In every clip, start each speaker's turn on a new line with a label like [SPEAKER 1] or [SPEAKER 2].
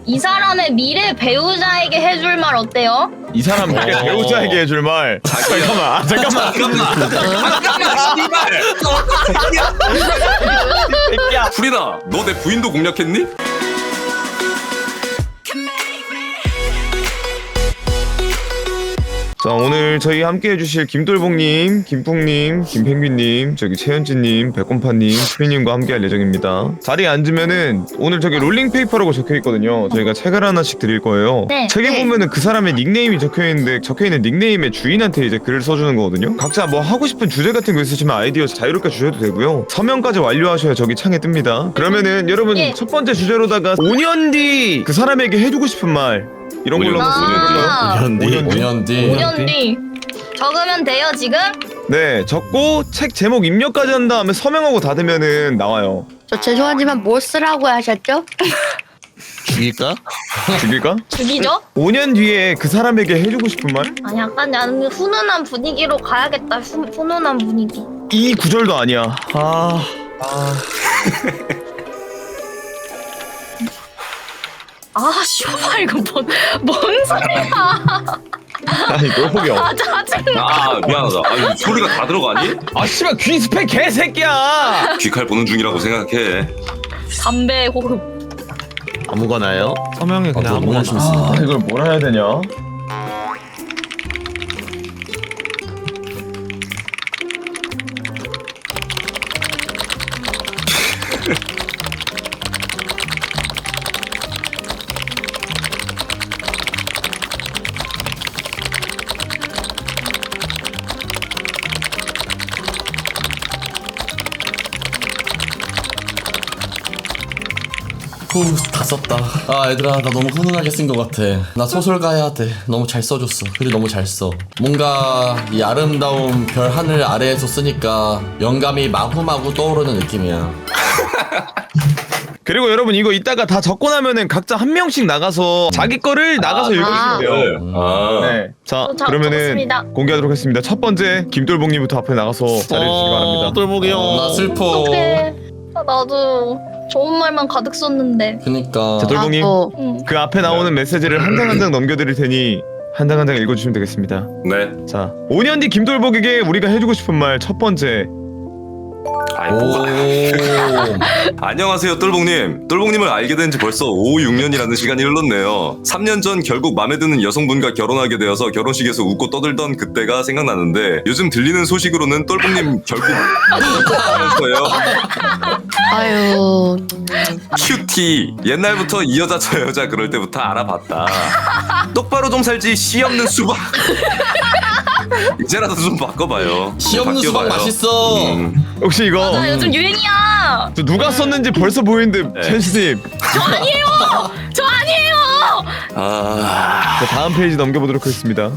[SPEAKER 1] 이 사람의 미래 배우자에게 해줄 말 어때요?
[SPEAKER 2] 이 사람 배우자에게 해줄 말. 잠깐만.
[SPEAKER 3] 씨발.
[SPEAKER 2] 새끼야.
[SPEAKER 3] 프리다, 너 내 부인도 공략했니?
[SPEAKER 2] 자, 오늘 저희 함께 해주실 김돌봉님, 김풍님, 김펭귄님, 저기 최현진님, 백곰파님, 수리님과 함께 할 예정입니다. 자리에 앉으면은 오늘 저기 롤링페이퍼라고 적혀있거든요. 저희가 책을 하나씩 드릴 거예요.
[SPEAKER 1] 네.
[SPEAKER 2] 책에 보면은 그 사람의 닉네임이 적혀있는데 적혀있는 닉네임의 주인한테 이제 글을 써주는 거거든요. 각자 뭐 하고 싶은 주제 같은 거 있으시면 아이디어 자유롭게 주셔도 되고요. 서명까지 완료하셔야 저기 창에 뜹니다. 그러면은 여러분
[SPEAKER 1] 예.
[SPEAKER 2] 첫 번째 주제로다가 5년 뒤 그 사람에게 해주고 싶은 말 이런 걸로 한번
[SPEAKER 3] 5년 뒤.
[SPEAKER 1] 5년 뒤 적으면 돼요 지금?
[SPEAKER 2] 네, 적고 책 제목 입력까지 한 다음에 서명하고 닫으면은 나와요.
[SPEAKER 4] 저 죄송하지만 뭐 쓰라고 하셨죠?
[SPEAKER 5] 죽일까?
[SPEAKER 2] 죽일까?
[SPEAKER 1] 죽이죠?
[SPEAKER 2] 5년 뒤에 그 사람에게 해주고 싶은 말?
[SPEAKER 1] 아 약간 나는 훈훈한 분위기로 가야겠다. 훈훈한 분위기.
[SPEAKER 2] 이 구절도 아니야.
[SPEAKER 1] 아 쇼파 이거 뭔 소리야?
[SPEAKER 2] 아니, 똘보기 형.
[SPEAKER 1] 아 짜증나.
[SPEAKER 3] 아 미안하다. 아니, 소리가 다 들어가니?
[SPEAKER 2] 아, 씨발, 귀 스펙 개새끼야!
[SPEAKER 3] 귀칼 보는 중이라고 생각해.
[SPEAKER 1] 담배 호흡.
[SPEAKER 5] 아무거나요? 서명에 그냥 아무거나.
[SPEAKER 2] 이걸 뭐라 해야 되냐?
[SPEAKER 6] 후, 다 썼다. 아, 얘들아, 나 너무 훈훈하게 쓴 것 같아. 나 소설가 해야 돼. 너무 잘 써줬어. 글이 너무 잘 써. 뭔가 이 아름다운 별 하늘 아래에서 쓰니까 영감이 마구마구 떠오르는 느낌이야.
[SPEAKER 2] 그리고 여러분 이거 이따가 다 적고 나면은 각자 한 명씩 나가서 자기 거를 나가서 읽어주시면 돼요.
[SPEAKER 3] 아.
[SPEAKER 2] 네. 자,
[SPEAKER 1] 자,
[SPEAKER 2] 그러면은
[SPEAKER 1] 적었습니다.
[SPEAKER 2] 공개하도록 하겠습니다. 첫 번째, 김돌봉님부터 앞에 나가서 잘해주시기 바랍니다.
[SPEAKER 5] 똘보기 형.
[SPEAKER 6] 나 슬퍼.
[SPEAKER 1] 어떡해. 아, 나도 좋은 말만 가득 썼는데.
[SPEAKER 6] 그니까.
[SPEAKER 2] 자, 돌봉님.
[SPEAKER 1] 응.
[SPEAKER 2] 그 앞에 나오는 메시지를 한 장 한 장 넘겨드릴 테니 한 장 한 장 읽어주시면 되겠습니다.
[SPEAKER 3] 네.
[SPEAKER 2] 자, 5년 뒤 김돌복에게 우리가 해주고 싶은 말 첫 번째.
[SPEAKER 3] 아이,
[SPEAKER 6] 오.
[SPEAKER 3] 뭐가. 안녕하세요, 똘봉님. 똘봉님을 알게 된 지 벌써 5, 6년이라는 시간이 흘렀네요. 3년 전 결국 마음에 드는 여성분과 결혼하게 되어서 결혼식에서 웃고 떠들던 그때가 생각나는데 요즘 들리는 소식으로는 똘봉님 결국 하면서요.
[SPEAKER 4] 아유.
[SPEAKER 3] 큐티. 옛날부터 이 여자 저 여자 그럴 때부터 알아봤다. 똑바로 좀 살지 씨 없는 수박. 이제라도 좀 바꿔봐요.
[SPEAKER 6] 씨 없는 수박
[SPEAKER 3] 바뀌어봐요.
[SPEAKER 6] 맛있어.
[SPEAKER 2] 혹시 이거
[SPEAKER 1] 나 요즘 유행이야.
[SPEAKER 2] 저 누가 썼는지 벌써 보이는데 첸스님.
[SPEAKER 1] 저 아니에요. 저 아니에요.
[SPEAKER 3] 아,
[SPEAKER 2] 자, 다음 페이지 넘겨보도록 하겠습니다.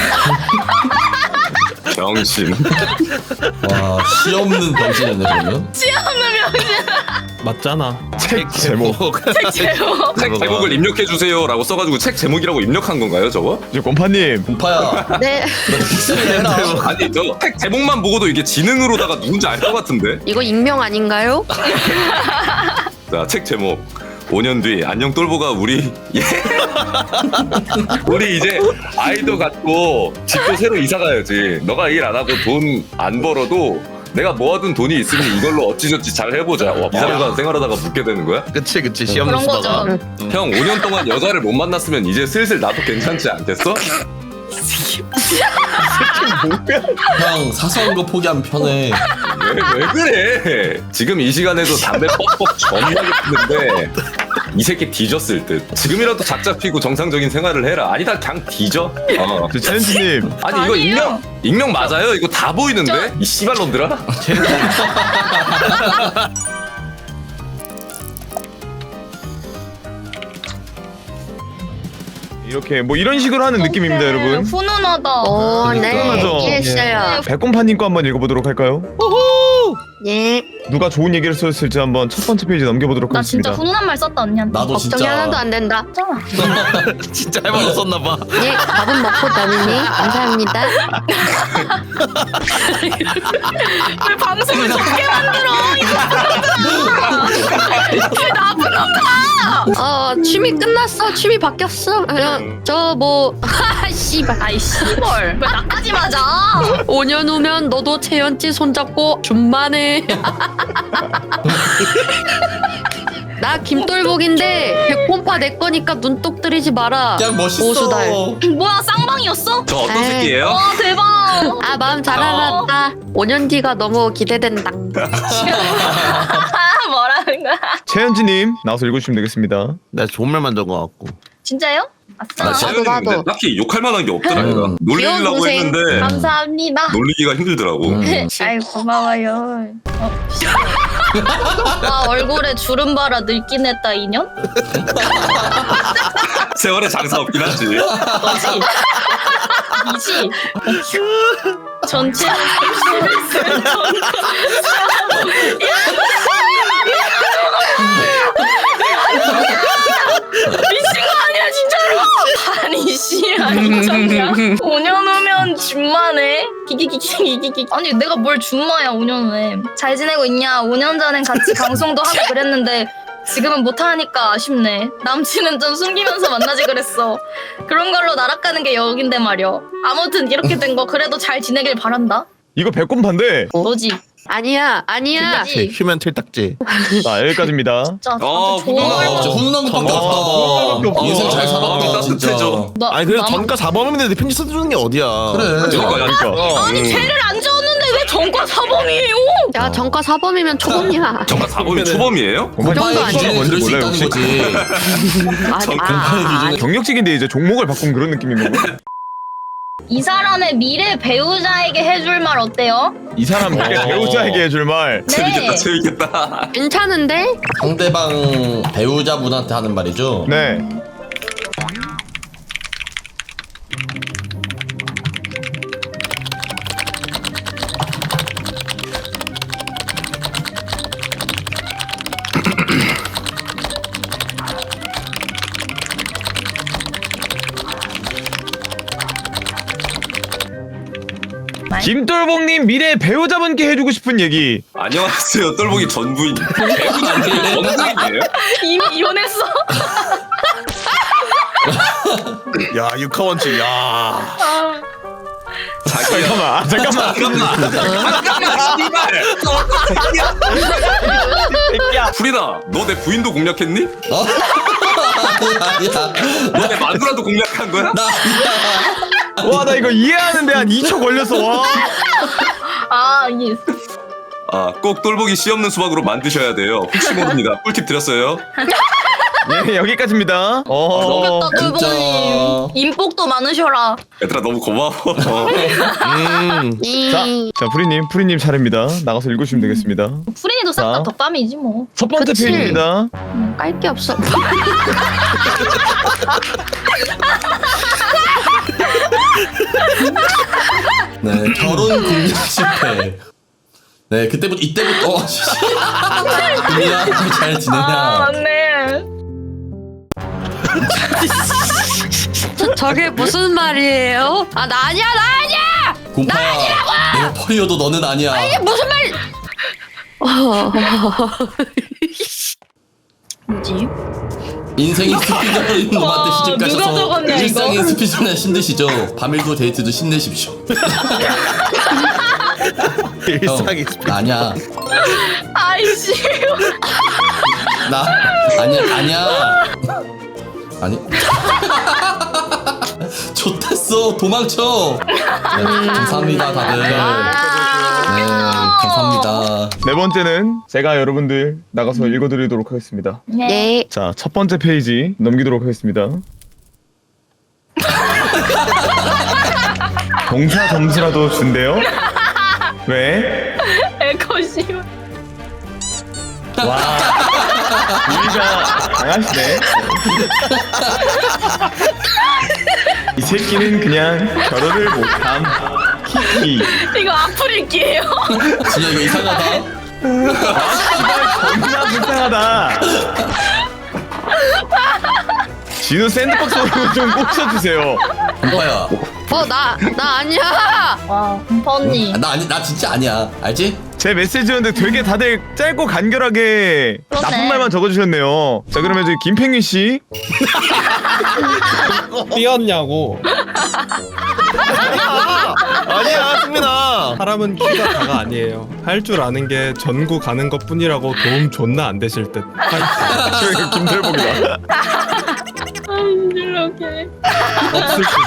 [SPEAKER 3] 병신.
[SPEAKER 6] 와, 씨 없는 병신이네, 그러면.
[SPEAKER 1] 시험을 명신.
[SPEAKER 5] 맞잖아.
[SPEAKER 2] 책 제목.
[SPEAKER 1] 책 제목.
[SPEAKER 3] 책 제목을 입력해주세요라고 써가지고 책 제목이라고 입력한 건가요, 저거?
[SPEAKER 2] 저 곰파님.
[SPEAKER 6] 공파야.
[SPEAKER 4] 네.
[SPEAKER 6] 픽셀 해라.
[SPEAKER 3] 아니, 저 책 제목만 보고도 이게 지능으로다가 누군지 알 것 같은데?
[SPEAKER 4] 이거 익명 아닌가요?
[SPEAKER 3] 자, 책 제목. 5년 뒤 안녕 똘보가 우리 예. 우리 이제 아이도 갖고 집도 새로 이사 가야지. 너가 일 안 하고 돈 안 벌어도 내가 모아둔 돈이 있으니 이걸로 어찌저찌 잘 해보자. 와, 이 사람과 생활하다가 묻게 되는 거야?
[SPEAKER 5] 그치 씨 없는
[SPEAKER 1] 그런 거죠.
[SPEAKER 5] 수다가.
[SPEAKER 3] 형 5년 동안 여자를 못 만났으면 이제 슬슬 나도 괜찮지 않겠어?
[SPEAKER 6] 형, 사소한 거 포기하면 편해.
[SPEAKER 3] 왜 그래? 지금 이 시간에도 담배 뻑뻑 존나 피는데 이 새끼 뒤졌을 듯. 지금이라도 작자 피고 정상적인 생활을 해라. 아니다 그냥 뒤져.
[SPEAKER 2] 저 첸스님.
[SPEAKER 3] 아니 이거
[SPEAKER 1] 아니에요.
[SPEAKER 3] 익명 맞아요? 이거 다 보이는데? 이 씨발놈들아?
[SPEAKER 2] 이렇게 뭐 이런 식으로 하는 느낌입니다, 여러분.
[SPEAKER 1] 훈훈하다.
[SPEAKER 4] 오, 네.
[SPEAKER 2] 그러니까.
[SPEAKER 4] 이해했어요.
[SPEAKER 2] 백곰파님 거 한번 읽어보도록 할까요?
[SPEAKER 4] 예.
[SPEAKER 2] 누가 좋은 얘기를 썼을지 한번 첫 번째 페이지 넘겨보도록
[SPEAKER 1] 나 진짜
[SPEAKER 2] 하겠습니다.
[SPEAKER 1] 훈훈한 말 썼다 언니한테.
[SPEAKER 6] 나도
[SPEAKER 4] 걱정이
[SPEAKER 6] 진짜
[SPEAKER 4] 하나도 안 된다.
[SPEAKER 1] 했잖아.
[SPEAKER 5] 진짜 해봤었나봐.
[SPEAKER 4] 예, 밥은 먹고 다니니 감사합니다.
[SPEAKER 1] 왜 방송을 적게 만들어? 왜 나쁜 놈들아?
[SPEAKER 4] 취미 끝났어. 취미 바뀌었어. 저뭐 씨발.
[SPEAKER 1] 아이 씨벌. 왜 나까지 맞아?
[SPEAKER 4] 5년 후면 너도 채연지 손잡고 준만해. 나 김돌복인데 백곰파 내 거니까 눈독 들이지 마라.
[SPEAKER 6] 그냥 멋있어.
[SPEAKER 4] 보수달.
[SPEAKER 1] 뭐야 쌍방이었어?
[SPEAKER 3] 저 어떤
[SPEAKER 4] 에이.
[SPEAKER 3] 새끼예요?
[SPEAKER 1] 와 대박.
[SPEAKER 4] 아 마음 잘 알았다. 5년 뒤가 너무 기대된다.
[SPEAKER 1] 뭐라는 거야?
[SPEAKER 2] 최현지님 나와서 읽어주시면 되겠습니다.
[SPEAKER 5] 나 좋은 말만 적은 것 같고.
[SPEAKER 1] 진짜요? 아싸.
[SPEAKER 3] 채연이는 근데
[SPEAKER 4] 나도.
[SPEAKER 3] 딱히 욕할 만한 게 없더라. 얘가. 놀리려고
[SPEAKER 1] 귀여운 동생.
[SPEAKER 3] 했는데
[SPEAKER 1] 감사합니다.
[SPEAKER 3] 놀리기가 힘들더라고.
[SPEAKER 1] 아이 고마워요. 아 얼굴에 주름 발라 늙긴 했다 2년?
[SPEAKER 3] 세월에 장사 없긴 하지.
[SPEAKER 1] 이지? 전체는 30을 미친 거 아니야 진짜로? 아니 씨야 인정이야? 5년 후면 준마네? 기기기기기기기 아니 내가 뭘 준마야 5년 후에 잘 지내고 있냐? 5년 전엔 같이 방송도 하고 그랬는데 지금은 못하니까 아쉽네. 남친은 좀 숨기면서 만나지 그랬어. 그런 걸로 날아가는 게 여긴데 말이야. 아무튼 이렇게 된 거 그래도 잘 지내길 바란다.
[SPEAKER 2] 이거 백곰파인데.
[SPEAKER 1] 너지?
[SPEAKER 4] 아니야.
[SPEAKER 1] 그치?
[SPEAKER 5] 휴면 틀딱지.
[SPEAKER 2] 자 여기까지입니다.
[SPEAKER 1] 진짜
[SPEAKER 3] 어,
[SPEAKER 1] 좋은
[SPEAKER 6] 아,
[SPEAKER 1] 걸
[SPEAKER 6] 진짜 훈훈한 것밖에
[SPEAKER 2] 훈훈한 것밖에
[SPEAKER 6] 없다. 인생 잘
[SPEAKER 3] 없어.
[SPEAKER 6] 살았다
[SPEAKER 3] 마음이
[SPEAKER 6] 진짜.
[SPEAKER 3] 따뜻해져.
[SPEAKER 1] 나-
[SPEAKER 5] 아니 그래서
[SPEAKER 1] 나-
[SPEAKER 5] 전가 4범인데 편지 써주는 게 어디야.
[SPEAKER 6] 그래.
[SPEAKER 2] 그러니까.
[SPEAKER 1] 아니 죄를 안 지었는데 왜 전과 사범이에요?
[SPEAKER 4] 야 전과 사범이면 초범이야.
[SPEAKER 3] 정말 사범이 초범이에요?
[SPEAKER 6] 공파의
[SPEAKER 2] 뭔지
[SPEAKER 6] 기준에
[SPEAKER 2] 뭔지
[SPEAKER 6] 그럴 수
[SPEAKER 2] 몰라요,
[SPEAKER 6] 있다는
[SPEAKER 2] 혹시?
[SPEAKER 6] 거지. 공파의 기준에
[SPEAKER 2] 경력직인데 이제 종목을 바꾼 그런 느낌인 거고.
[SPEAKER 1] 이 사람의 미래 배우자에게 해줄 말 어때요?
[SPEAKER 2] 이 사람 배우자에게 해줄 말.
[SPEAKER 3] 재밌겠다 재밌겠다.
[SPEAKER 4] 괜찮은데?
[SPEAKER 6] 상대방 배우자분한테 하는 말이죠.
[SPEAKER 2] 네. 김돌복님 미래 배우자분께 해주고 싶은 얘기.
[SPEAKER 3] 안녕하세요 똘보기 전 부인. 배우자 아니에요? 전 부인이에요?
[SPEAKER 1] 이미 이혼했어.
[SPEAKER 5] 야 육하원칙. 야.
[SPEAKER 1] 아,
[SPEAKER 3] 자기야.
[SPEAKER 2] 잠깐만.
[SPEAKER 3] 새끼야. 프리다 너 내 부인도 공략했니?
[SPEAKER 6] 아니야.
[SPEAKER 3] 너 내 마누라도 공략한 거야?
[SPEAKER 2] 와 나 이거 이해하는데 한 2초 걸렸어. 와.
[SPEAKER 1] 아 이게
[SPEAKER 3] 아 꼭 똘보기 씨 없는 수박으로 만드셔야 돼요. 혹시 모릅니다. 꿀팁 드렸어요.
[SPEAKER 2] 예 여기까지입니다.
[SPEAKER 1] 좋겠다
[SPEAKER 6] 진짜.
[SPEAKER 1] 똘보님. 인복도 많으셔라.
[SPEAKER 3] 얘들아 너무 고마워.
[SPEAKER 2] 자 프리님 차례입니다. 나가서 읽으시면 되겠습니다.
[SPEAKER 1] 프린이도 싹 다
[SPEAKER 2] 자.
[SPEAKER 1] 덕담이지 뭐.
[SPEAKER 2] 첫 번째
[SPEAKER 4] 그치.
[SPEAKER 2] 페이지입니다.
[SPEAKER 4] 깔 게 없어.
[SPEAKER 6] 네, 결혼 공략 실패. 네, 그때부터 이때부터 금이야 잘
[SPEAKER 1] 아
[SPEAKER 6] 지내냐?
[SPEAKER 1] 맞네.
[SPEAKER 4] 저게 무슨 말이에요? 아 나 아니야.
[SPEAKER 6] 곰파야, 내가 펄이어도 너는 아니야.
[SPEAKER 4] 이게 무슨 말?
[SPEAKER 1] 뭐지?
[SPEAKER 6] 인생이 스피드러인 놈한테 시집
[SPEAKER 1] 누가
[SPEAKER 6] 가셔서
[SPEAKER 1] 적었냐, 이거?
[SPEAKER 6] 일상의 스피드러인 힘드시죠? 밤일도 데이트도 힘내십시오.
[SPEAKER 5] 일상이
[SPEAKER 6] 나 아니야.
[SPEAKER 1] 아이씨.
[SPEAKER 6] 나 아니야. 아니. 좋댔어. 도망쳐. 네, 감사합니다 다들. 네, 감사합니다.
[SPEAKER 2] 네 번째는 제가 여러분들 나가서 읽어드리도록 하겠습니다.
[SPEAKER 4] 네.
[SPEAKER 2] 자, 첫 번째 페이지 넘기도록 하겠습니다. 동사 점수라도 준대요? 왜?
[SPEAKER 1] 에코시.
[SPEAKER 2] 와, 우리가 강하시네. 이 새끼는 그냥 결혼을 못함. 히히.
[SPEAKER 1] 이거 악플 읽기예요.
[SPEAKER 6] 진짜 이거 이상하다.
[SPEAKER 2] 겁나 불쌍하다. 진우 샌드박스로 좀 꽂혀주세요.
[SPEAKER 6] 공파야.
[SPEAKER 4] 나 아니야.
[SPEAKER 1] 와 공파 언니.
[SPEAKER 6] 나 진짜 아니야. 알지?
[SPEAKER 2] 제 메시지였는데 되게 다들 짧고 간결하게
[SPEAKER 1] 그러네.
[SPEAKER 2] 나쁜 말만 적어주셨네요. 자 그러면 이제 김팽윤 씨.
[SPEAKER 7] 삐었냐고.
[SPEAKER 5] 아니야 승민아.
[SPEAKER 7] 사람은 키가 다가 아니에요. 할 줄 아는 게 전구 가는 것 뿐이라고 도움 존나 안 되실 듯.
[SPEAKER 2] 김돌복이다.
[SPEAKER 1] 이렇게.
[SPEAKER 7] 없을 수.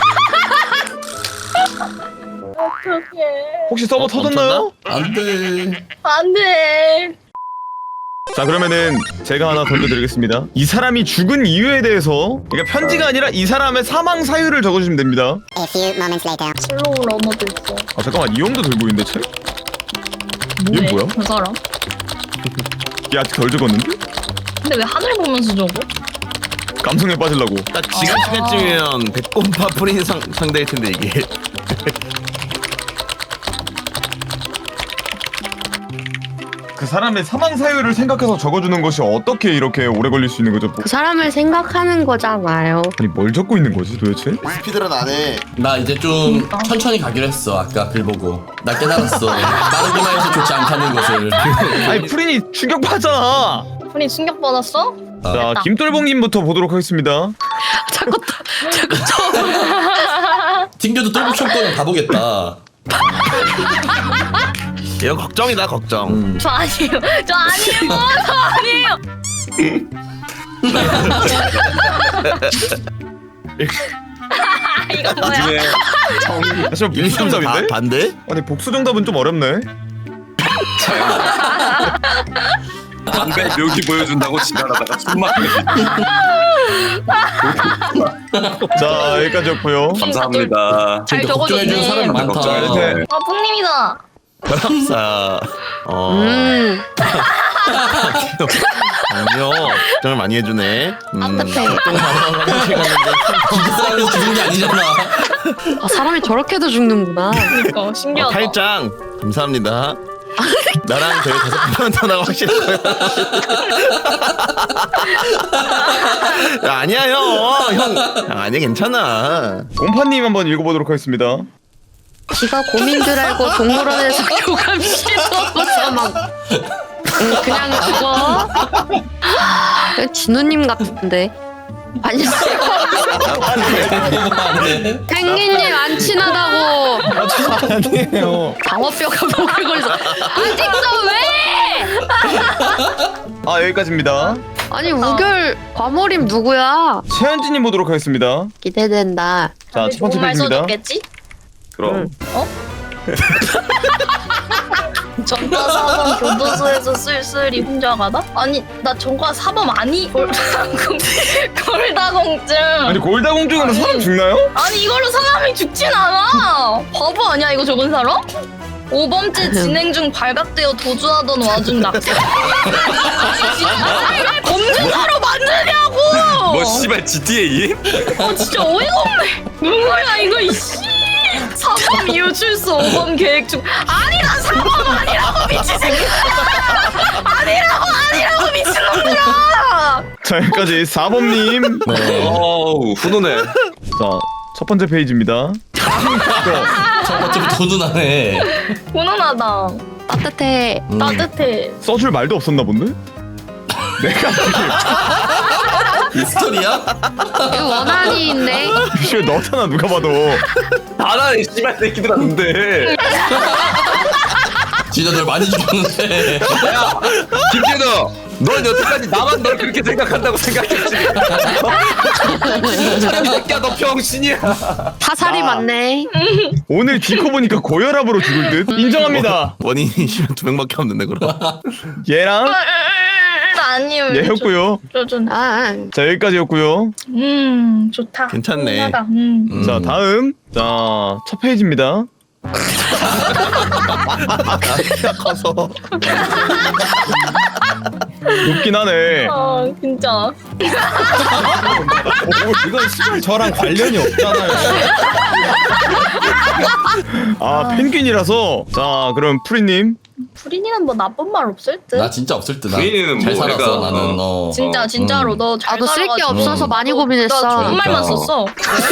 [SPEAKER 1] 어떡해.
[SPEAKER 2] 혹시 서버 터졌나요?
[SPEAKER 6] 안 돼.
[SPEAKER 1] 안돼.
[SPEAKER 2] 자 그러면은 제가 하나 던져드리겠습니다. 이 사람이 죽은 이유에 대해서 그러니까 편지가 아니라 이 사람의 사망 사유를 적어주시면 됩니다.
[SPEAKER 8] A few moments later.
[SPEAKER 1] 슬로우 러너도 있어.
[SPEAKER 2] 아 잠깐만 이 형도 들고 있는데 책? 얘 뭐야?
[SPEAKER 1] 그 사람?
[SPEAKER 2] 얘 아직 덜 적었는데?
[SPEAKER 1] 근데 왜 하늘 보면서 적어?
[SPEAKER 2] 감성에 빠지려고.
[SPEAKER 5] 딱 지금 시간쯤이면 백곰파 프린 상대일 텐데 이게.
[SPEAKER 2] 그 사람의 사망 사유를 생각해서 적어주는 것이 어떻게 이렇게 오래 걸릴 수 있는 거죠?
[SPEAKER 4] 그 사람을 생각하는 거잖아요.
[SPEAKER 2] 아니 뭘 적고 있는 거지 도대체?
[SPEAKER 5] 스피드런 안 해.
[SPEAKER 6] 나 이제 좀 천천히 가기로 했어. 아까 글 보고. 나 깨달았어. 빠르기만 해서 좋지 않다는 것을.
[SPEAKER 2] 아니 프린이 충격받잖아.
[SPEAKER 1] 분이 충격받았어?
[SPEAKER 2] 자 김돌봉님부터 보도록 하겠습니다.
[SPEAKER 4] 자꾸
[SPEAKER 6] 튕겨도 똘복 청권은 가보겠다.
[SPEAKER 5] 이거 걱정이다 걱정.
[SPEAKER 1] 저 아니에요. 저 아니에요. 저 아니에요. 이거 뭐야?
[SPEAKER 3] 나중에
[SPEAKER 2] 사실
[SPEAKER 5] 1, 2, 3, 4
[SPEAKER 2] 복수정답인데?
[SPEAKER 5] 반대?
[SPEAKER 2] 아니 복수 정답은 좀 어렵네.
[SPEAKER 3] 담배 묘기 보여준다고 지랄하다가 숨막혀.
[SPEAKER 2] 자 여기까지였고요.
[SPEAKER 3] 감사합니다.
[SPEAKER 1] 잘
[SPEAKER 6] 그러니까 걱정해주는 사람이
[SPEAKER 1] 적어줬네.
[SPEAKER 6] 많다.
[SPEAKER 2] 걱정해주세요.
[SPEAKER 1] 아 풍님이다.
[SPEAKER 5] 바람사. 아니요. 걱정을 많이 해주네.
[SPEAKER 4] 따뜻해.
[SPEAKER 6] 기계 사람이 죽은 게 아니잖아.
[SPEAKER 4] 아, 사람이 저렇게도 죽는구나.
[SPEAKER 1] 그러니까 신기하다.
[SPEAKER 5] 탈장 감사합니다. 나랑 저희 5번 터나가 확실해요. 야, 아니야 형. 아니야 괜찮아.
[SPEAKER 2] 곰파님 한번 읽어보도록 하겠습니다.
[SPEAKER 4] 지가 고민 줄 알고 동물원에서 교감시켜서 막 그냥 죽어. 진우님 같은데. 아니 펭귄님 안 친하다고.
[SPEAKER 7] 아니에요.
[SPEAKER 4] 방어뼈가 목에 걸려서 아직도 왜?
[SPEAKER 2] 아 여기까지입니다.
[SPEAKER 4] 아니 우결 과몰입 누구야?
[SPEAKER 2] 최현진님 보도록 하겠습니다.
[SPEAKER 4] 기대된다.
[SPEAKER 2] 자 첫 번째
[SPEAKER 1] 좋은 말
[SPEAKER 2] 페이지입니다.
[SPEAKER 1] 써줬겠지?
[SPEAKER 3] 그럼
[SPEAKER 1] 전과 사범 교도소에서 쓸쓸히 혼자 가다? 아니 나 전과 사범 아니? 골다공증.
[SPEAKER 2] 아니 골다공증으로 사람 죽나요?
[SPEAKER 1] 아니 이걸로 사람이 죽진 않아. 바보 아니야 이거 적은 사람? 5번째 진행 중 발각되어 도주하던 와중 낙태. 아니 진짜 왜 검증사로 만드냐고.
[SPEAKER 3] 뭐 씨발 GTA?
[SPEAKER 1] 진짜 어이가 없네. 누구야 이거 이씨. 4범 이후 출소 5범 계획 중. 아니 난 4범 아니라고 미친 새끼. 아니라고 미친놈들아.
[SPEAKER 2] 자 여기까지 4범님.
[SPEAKER 6] 네.
[SPEAKER 3] 어우 훈훈해.
[SPEAKER 2] 자 첫 번째 페이지입니다.
[SPEAKER 6] 첫 번째부터 훈훈하네.
[SPEAKER 1] 훈훈하다.
[SPEAKER 4] 따뜻해.
[SPEAKER 1] 따뜻해.
[SPEAKER 2] 써줄 말도 없었나 본데? 내가
[SPEAKER 6] 이 스토리야?
[SPEAKER 4] 이거 원한이인데.
[SPEAKER 2] 뷰쇼에 넣었잖아 누가 봐도.
[SPEAKER 3] 나라네 씨발 새끼들아 근데.
[SPEAKER 6] 진짜 널 많이 죽였는데.
[SPEAKER 3] 야 김재도 넌 여태까지 나만 널 그렇게 생각한다고 생각했지. 사람 새끼야 너 병신이야.
[SPEAKER 4] 타살이 많네.
[SPEAKER 2] 오늘 디코 보니까 고혈압으로 죽을 듯. 인정합니다.
[SPEAKER 5] 원인이 심한 2명밖에 없는데 그럼.
[SPEAKER 2] 얘랑
[SPEAKER 1] 아니요.
[SPEAKER 2] 얘였고요.
[SPEAKER 4] 아,
[SPEAKER 2] 자 여기까지였고요.
[SPEAKER 1] 좋다.
[SPEAKER 5] 괜찮네.
[SPEAKER 1] 훈훈하다.
[SPEAKER 2] 자 다음 자 첫 페이지입니다.
[SPEAKER 5] 키가 커서.
[SPEAKER 2] 웃긴 하네.
[SPEAKER 1] 아 진짜.
[SPEAKER 7] 이건 시발 저랑 관련이 없잖아요.
[SPEAKER 2] 아 펭귄이라서. 자 그럼 프리님
[SPEAKER 1] 프린이는 뭐 나쁜 말 없을 듯.
[SPEAKER 6] 나 진짜 없을 듯.
[SPEAKER 3] 부인은
[SPEAKER 6] 잘
[SPEAKER 3] 뭐
[SPEAKER 6] 살았어
[SPEAKER 3] 내가,
[SPEAKER 6] 나는.
[SPEAKER 1] 진짜 진짜로 너 잘
[SPEAKER 4] 나도 쓸 게
[SPEAKER 1] 살아가지고.
[SPEAKER 4] 없어서 많이 고민했어.
[SPEAKER 1] 나 좋은 말만
[SPEAKER 6] 그러니까.
[SPEAKER 1] 썼어.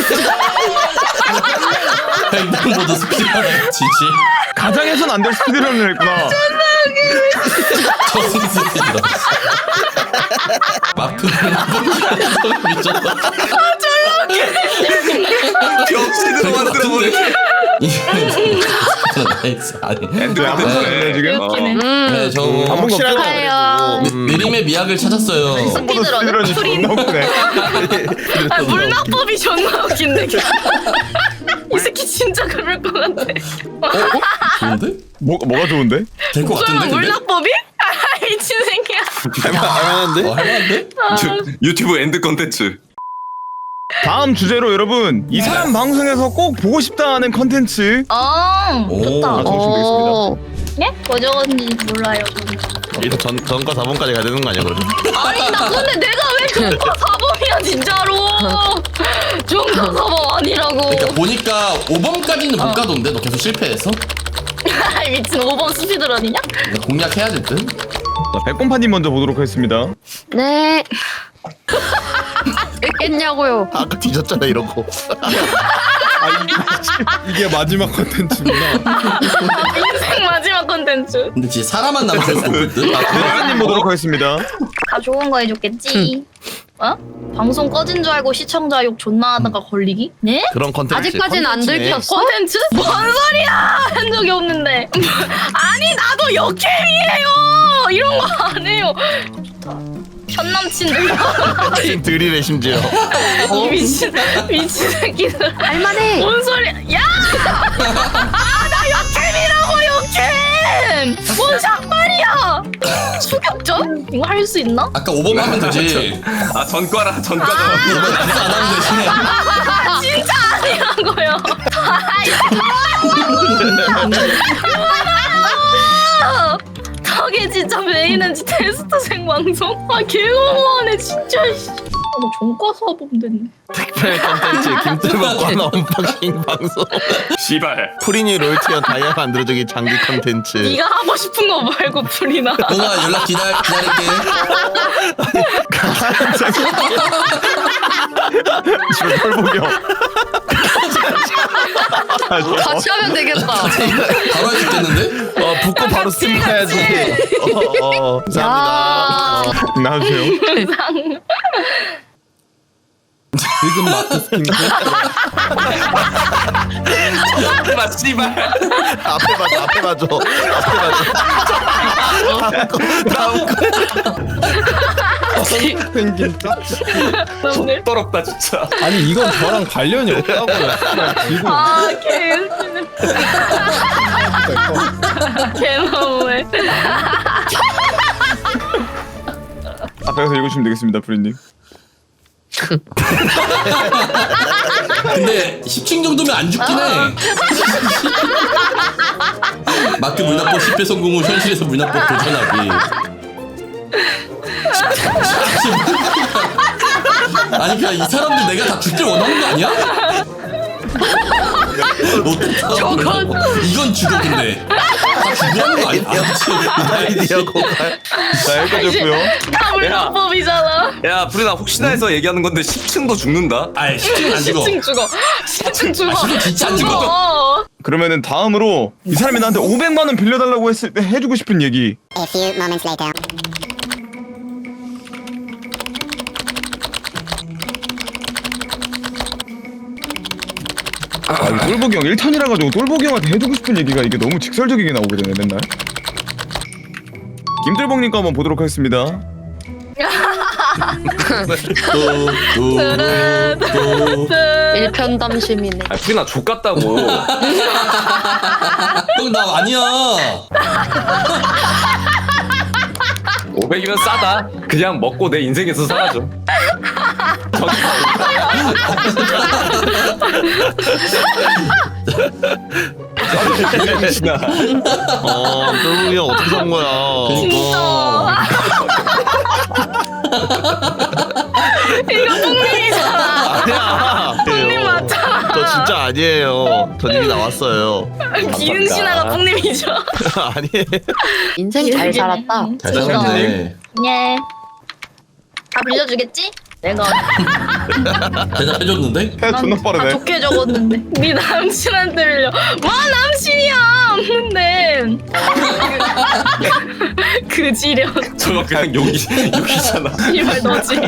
[SPEAKER 6] 횡단보도 스피드런 지지.
[SPEAKER 2] 가장 해선 안 될 스피드런을 했구나.
[SPEAKER 6] 저승 스피드런. 마크는 미쳤다.
[SPEAKER 3] 병신으로 만들어버려.
[SPEAKER 6] 나이스. 아니.
[SPEAKER 3] 엔드
[SPEAKER 2] 안 보셨네 지금?
[SPEAKER 1] 웃기네.
[SPEAKER 6] 네, 저
[SPEAKER 2] 확실하게
[SPEAKER 4] 축하해요.
[SPEAKER 6] 느림의 미학을 찾았어요.
[SPEAKER 1] 스피드런은
[SPEAKER 2] 스피드런이
[SPEAKER 1] 프린.
[SPEAKER 2] 존나 웃기네.
[SPEAKER 1] 아, 물납법이 존나 웃긴데. 이 새끼 진짜 그럴 것 같아.
[SPEAKER 6] 좋은데?
[SPEAKER 2] 뭐가 좋은데?
[SPEAKER 6] 될 것 같은데 근데?
[SPEAKER 1] 물납법이? 아, 미친 새끼야.
[SPEAKER 5] 할만한데?
[SPEAKER 6] 할만한데?
[SPEAKER 3] 유튜브 엔드 컨텐츠.
[SPEAKER 2] 다음 주제로 여러분 이 사람 방송에서 꼭 보고 싶다는 컨텐츠
[SPEAKER 6] 오.
[SPEAKER 1] 좋다.
[SPEAKER 2] 맞춰주시면 되겠습니다.
[SPEAKER 4] 오.
[SPEAKER 1] 예? 뭐 적었는지 몰라요. 저는.
[SPEAKER 5] 일단 전과 4번까지 가야 되는 거 아니야 그러면?
[SPEAKER 1] 아니 나 근데 내가 왜 종과 사범이야 진짜로. 종과 사범 아니라고.
[SPEAKER 6] 그러니까 보니까 5번까지는 못 가던데 너 계속 실패해서?
[SPEAKER 1] 아이 미친 5번 스피드런이냐?
[SPEAKER 6] 그러니까 공략해야 될 듯?
[SPEAKER 2] 자, 백곰파님 먼저 보도록 하겠습니다.
[SPEAKER 4] 네. 겠냐고요.
[SPEAKER 5] 아까 뒤졌잖아 이러고.
[SPEAKER 7] 이게 마지막 컨텐츠구나.
[SPEAKER 1] 인생 마지막 컨텐츠.
[SPEAKER 6] 근데 진짜 사람만 남았을 수 없을 듯?
[SPEAKER 2] 백곰파님 보도록 하겠습니다.
[SPEAKER 1] 다 좋은 거 해줬겠지. 어? 방송 꺼진 줄 알고 시청자 욕 존나 하다가 걸리기? 네?
[SPEAKER 5] 그런 컨텐츠.
[SPEAKER 4] 아직까지는 안
[SPEAKER 5] 컨텐츠네.
[SPEAKER 4] 들켰어?
[SPEAKER 1] 컨텐츠? 뭔 소리야! 한 적이 없는데. 아니 나도 역캠이에요. 이런 거 안 해요. 좋다. 전 남친들.
[SPEAKER 5] 지금 들이래 심지어.
[SPEAKER 1] 이 미친 새끼들.
[SPEAKER 4] 할만해.
[SPEAKER 1] 뭔 소리야? 야! 나 역캠이라고 역캠! 뭔 상관이야? 추격전? 이거 할 수 있나?
[SPEAKER 6] 아까 5번 하면 되지.
[SPEAKER 3] 아 전과라 전과다.
[SPEAKER 6] 5번 낙서 안 하면 되지.
[SPEAKER 1] 아, 진짜 아니라고요. 저게 진짜 메인은지 테스트생 방송? 아 개너무하네 진짜. 나 종과 사범 됐네.
[SPEAKER 5] 특별 컨텐츠 김들박과 언박싱 방송.
[SPEAKER 3] 씨발.
[SPEAKER 5] 프리니 롤티어 다이아 만들어주기 장기 컨텐츠.
[SPEAKER 1] 네가 하고 싶은 거 말고 풀이나.
[SPEAKER 6] 동아 연락 기다릴게.
[SPEAKER 2] 지금 털보경.
[SPEAKER 4] 같이 하면 되겠다.
[SPEAKER 6] 바로 할 수 있겠는데?
[SPEAKER 5] 붙고 바로 스팀 가야지. 감사합니다.
[SPEAKER 2] 나와주세요.
[SPEAKER 7] 지금 마크 스킨
[SPEAKER 3] 마 씨발.
[SPEAKER 5] 앞에 봐줘. 다음 거.
[SPEAKER 7] 생긴 짝.
[SPEAKER 1] 너네.
[SPEAKER 3] 더럽다 진짜.
[SPEAKER 7] 아니 이건 저랑 관련이 없다고요. 지금
[SPEAKER 1] 아 개웃기네. 개너무해.
[SPEAKER 2] 앞에서 읽으시면 되겠습니다, 프리님.
[SPEAKER 6] 근데 10층 정도면 안 죽긴 해. 마크 물납법 10회 성공 후 현실에서 물납법 도전하기. 아니 그냥 이 사람들 내가 다 죽길 원하는 거 아니야? 저건 이건 죽어 근데 다 죽어하는 거 아니야?
[SPEAKER 5] 아이디어 고갈.
[SPEAKER 2] 자, 여기까지였고요.
[SPEAKER 1] 다 물납법이잖아.
[SPEAKER 3] 야 프리나 혹시나 해서 얘기하는 건데 10층도 죽는다.
[SPEAKER 6] 아이 10층 안 죽어.
[SPEAKER 1] 10층 죽어. 10층 죽어.
[SPEAKER 6] 10층 진짜 안 죽어.
[SPEAKER 1] 죽어.
[SPEAKER 2] 그러면은 다음으로 이 사람이 나한테 500만 원 빌려달라고 했을 때 해주고 싶은 얘기.
[SPEAKER 8] A few moments later.
[SPEAKER 2] 아, 이 똘보기 형 1탄이라 가지고 똘보기 형한테 해주고 싶은 얘기가 이게 너무 직설적이게 나오게 되네 맨날. 김들봉님 거 한번 보도록 하겠습니다.
[SPEAKER 4] 일편담심이네.
[SPEAKER 3] 아 프리나 족같다고.
[SPEAKER 6] 나 아니야.
[SPEAKER 3] 500이면 싸다. 그냥 먹고 내 인생에서 사라져.
[SPEAKER 5] 똘보기 형 어떻게 산 거야?
[SPEAKER 6] 그러니까.
[SPEAKER 1] 이거 뿡님이잖아.
[SPEAKER 5] 아니야.
[SPEAKER 1] 뿡님 맞잖아.
[SPEAKER 5] 저 진짜 진짜 아니에요. 전 이미 나왔어요.
[SPEAKER 1] 기흥신하가 뿡님이죠.
[SPEAKER 5] 아니에요.
[SPEAKER 4] 인생 잘 살았다.
[SPEAKER 6] 잘 살았네.
[SPEAKER 1] 예. 다 빌려주겠지? 내가
[SPEAKER 6] 대답해줬는데?
[SPEAKER 2] 해 존나
[SPEAKER 1] 다
[SPEAKER 2] 빠르네.
[SPEAKER 1] 좋게 적었는데. 네 남친한테 빌려. 와 남친이야 없는데. 그 지력.
[SPEAKER 3] 저거 그냥 욕이잖아.
[SPEAKER 1] 이말 너지.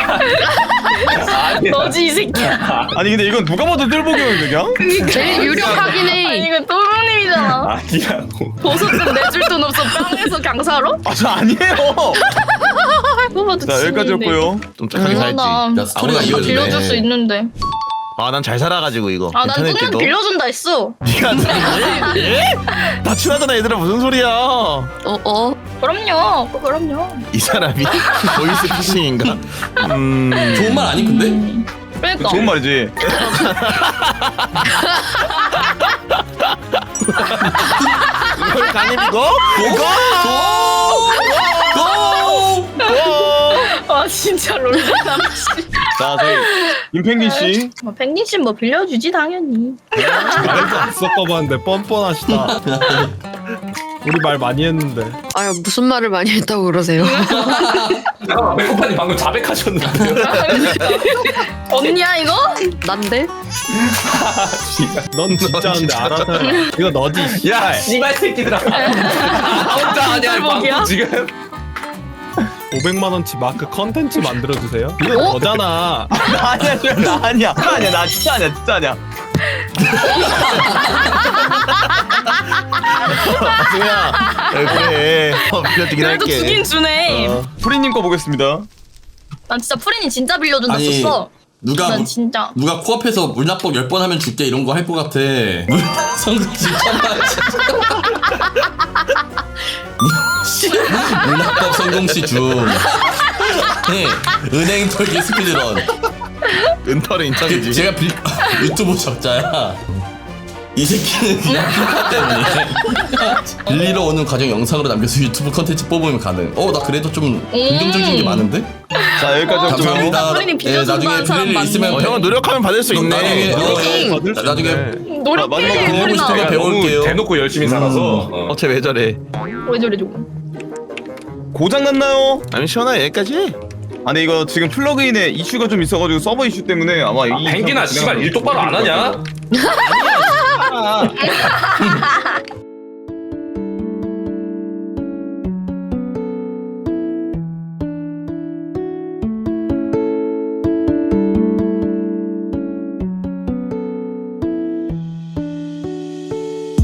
[SPEAKER 1] 너지 이 새끼야.
[SPEAKER 2] 아니 근데 이건 누가 봐도 뜰보기였는데 그냥?
[SPEAKER 4] 제일 유력하긴
[SPEAKER 1] 아니
[SPEAKER 4] 해.
[SPEAKER 1] 이거 또롱님이잖아.
[SPEAKER 3] 아니라고.
[SPEAKER 1] 보석금 내줄 돈 없어 깡에서 강사로?
[SPEAKER 2] 아 저 아니에요.
[SPEAKER 1] 그거 봐도
[SPEAKER 2] 자 여기까지였고요.
[SPEAKER 5] 좀 착하게 살지.
[SPEAKER 1] 나
[SPEAKER 6] 야, 스토리가
[SPEAKER 1] 다
[SPEAKER 6] 이어지네.
[SPEAKER 1] 빌려줄 수 있는데.
[SPEAKER 5] 아 난 잘 살아가지고 이거.
[SPEAKER 1] 아 난
[SPEAKER 5] 인터넷
[SPEAKER 1] 뚱이한테
[SPEAKER 5] 때도.
[SPEAKER 1] 빌려준다 했어.
[SPEAKER 5] 네가 예? 다 친하잖아 얘들아 무슨 소리야?
[SPEAKER 1] 그럼요. 그럼요.
[SPEAKER 5] 이 사람이 보이스 피싱인가?
[SPEAKER 6] 좋은 말 아니 근데?
[SPEAKER 1] 그러니까.
[SPEAKER 2] 좋은 말이지.
[SPEAKER 5] 이걸 강입이고?
[SPEAKER 1] 아 진짜 롤리남 씨.
[SPEAKER 2] 자 저희 임펭귄 씨.
[SPEAKER 1] 펭귄 씨뭐 빌려주지 당연히.
[SPEAKER 7] 말도 안 섞어봤는데 뻔뻔하시다. 우리 말 많이 했는데.
[SPEAKER 4] 아유 무슨 말을 많이 했다고 그러세요?
[SPEAKER 3] 잠깐만 백호판이 방금 자백하셨는데요.
[SPEAKER 1] 언니야 이거?
[SPEAKER 4] 난데?
[SPEAKER 7] 넌 진짜인데 알아서 해. 이거 너지.
[SPEAKER 3] 야 씨발 새끼들아. 혼자 아니야
[SPEAKER 1] 똘복이야?
[SPEAKER 3] 방금 지금.
[SPEAKER 7] 500만 원치 마크 컨텐츠 만들어 주세요. 이거 너잖아.
[SPEAKER 2] 나 아니야 나 아니야. 나 아니야 나 진짜 아니야 진짜 아니야.
[SPEAKER 5] 승우야 그래 빌려주긴
[SPEAKER 1] 그래도
[SPEAKER 5] 할게.
[SPEAKER 1] 주긴 주네.
[SPEAKER 2] 프리님 거 보겠습니다.
[SPEAKER 1] 난 진짜 프린이 진짜 빌려준다
[SPEAKER 6] 아니
[SPEAKER 1] 썼어.
[SPEAKER 6] 누가
[SPEAKER 1] 난 진짜.
[SPEAKER 6] 누가 코앞에서 물납법 10번 하면 줄게 이런 거 할 것 같아. 성공지 물납법 성공시 중. 네, 은행 털기 스피드런.
[SPEAKER 5] 은털은 인정이지.
[SPEAKER 6] 제가 유튜브 적자야. 이 새끼는 그냥 피파 때문에 빌리러 오는 과정 영상으로 남겨서 유튜브 컨텐츠 뽑으면 가능. 나 그래도 좀 긍정적인 게 많은데?
[SPEAKER 2] 자 여기까지였고요.
[SPEAKER 6] 감사합니다.
[SPEAKER 1] 프린이 빌려준다는
[SPEAKER 6] 나중에
[SPEAKER 1] 사람
[SPEAKER 6] 빌릴 일
[SPEAKER 1] 많네.
[SPEAKER 6] 있으면
[SPEAKER 5] 형은 노력하면 받을 수 있네.
[SPEAKER 6] 나중에
[SPEAKER 7] 받을 수
[SPEAKER 6] 나중에
[SPEAKER 7] 있네.
[SPEAKER 1] 노력해.
[SPEAKER 2] 마지막으로
[SPEAKER 6] 배우고 싶은 거 배울게요.
[SPEAKER 3] 대놓고 열심히 살아서.
[SPEAKER 5] 어쟤 왜 저래?
[SPEAKER 1] 왜 저래 저거.
[SPEAKER 2] 고장 났나요?
[SPEAKER 5] 아니 시원하 여기까지 해.
[SPEAKER 2] 아니 이거 지금 플러그인에 이슈가 좀 있어가지고 서버 이슈 때문에 아마 이
[SPEAKER 3] 펭귄아 씨발 일 똑바로 안 하냐?